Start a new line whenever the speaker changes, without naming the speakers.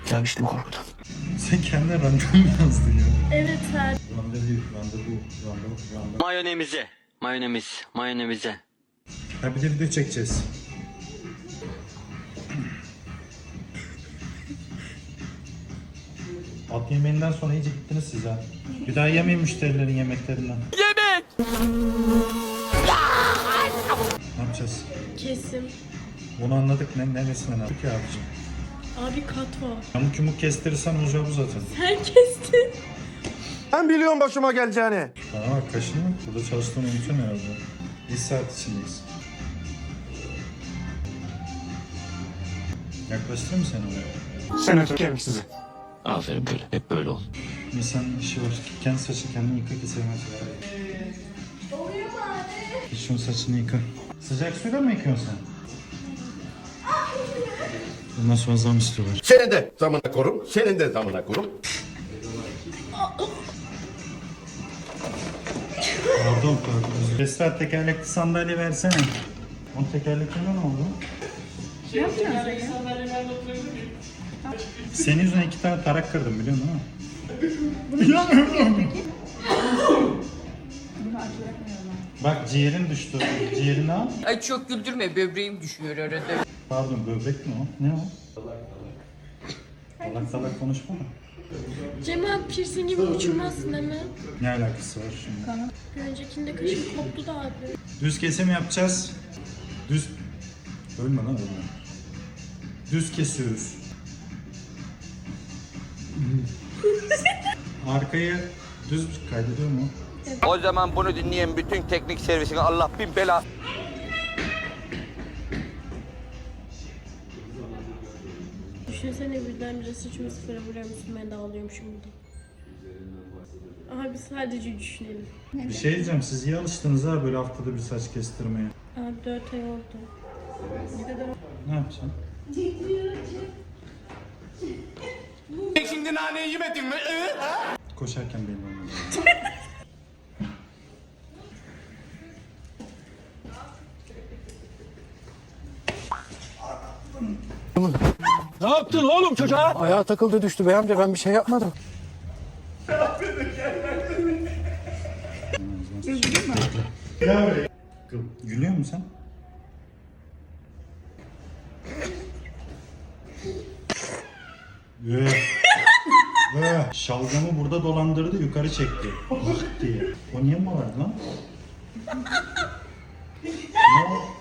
Ya işte bu korkudan.
Sen kendine randevu mu yazdın ya?
Evet her.
Randevu.
Mayonemize.
Ha bir de video çekeceğiz. At yemeğinden sonra iyice gittiniz siz ha. Bir daha yemeyin müşterilerin yemeklerinden. Yemek! Ne yapacağız?
Kesim.
Bunu anladık. Neresinden aldık ya abicim?
Abi katva.
Yamuk yumuk kestirirsen olacağı bu zaten.
Sen kestin.
Ben biliyorum başıma geleceğini.
Bana bak kaşını. Burada çalıştığını unutuyorsun herhalde. Bir saat içindeyiz. Yaklaştırayım mı seni oraya?
Senatör kemiksizi.
Aferin böyle. Hep böyle ol.
İnsan işi var. Kendi saçını kendini yıka ki sevmez.
Oluyor mu abi?
Şunun saçını yıka. Sıcak suyla mı yıkıyorsun sen? Bundan sonra zam istiyorlar.
Senin de zamına korum, senin de zamına korum.
Pardon. Esra tekerlekli sandalye versene. Onun tekerleklerine ne oldu?
Ne yapacaksın sen?
Senin yüzünden 2 tane tarak kırdım biliyorsun değil mi? Bak ciğerin düştü. Ciğerini al.
Ay çok güldürme, böbreğim düşüyor arada.
Pardon böbrek mi o? Ne o? Salak salak konuşma da.
Cem abi piercing gibi uçurmazsın değil mi?
Ne alakası var şimdi?
Bir öncekinde kaşım koptu da abi.
Düz kesim yapacağız. Düz... Ölme lan ölme. Düz kesiyoruz. Arkayı düz kaydediyor mu?
O zaman bunu dinleyen bütün teknik servisine Allah bin bela.
Düşünsene birdenbire saçımı sıfıra vuruyormuşsun, ben de ağlıyormuşum burada. Abi sadece düşünelim.
Bir şey diyeceğim, siz iyi alıştınız ha böyle haftada bir saç kestirmeye.
Abi 4 ay oldu.
Ne yapacaksın?
Şimdi naneyi yemedin mi?
Koşarken benim olmalı.
Ne yaptın oğlum çocuğa? Ayağa takıldı düştü bey amca, ben bir şey yapmadım.
Gülüyor musun sen? Şalgamı burada dolandırdı, yukarı çekti. Bak diye. O niye mi vardı lan? Ne o?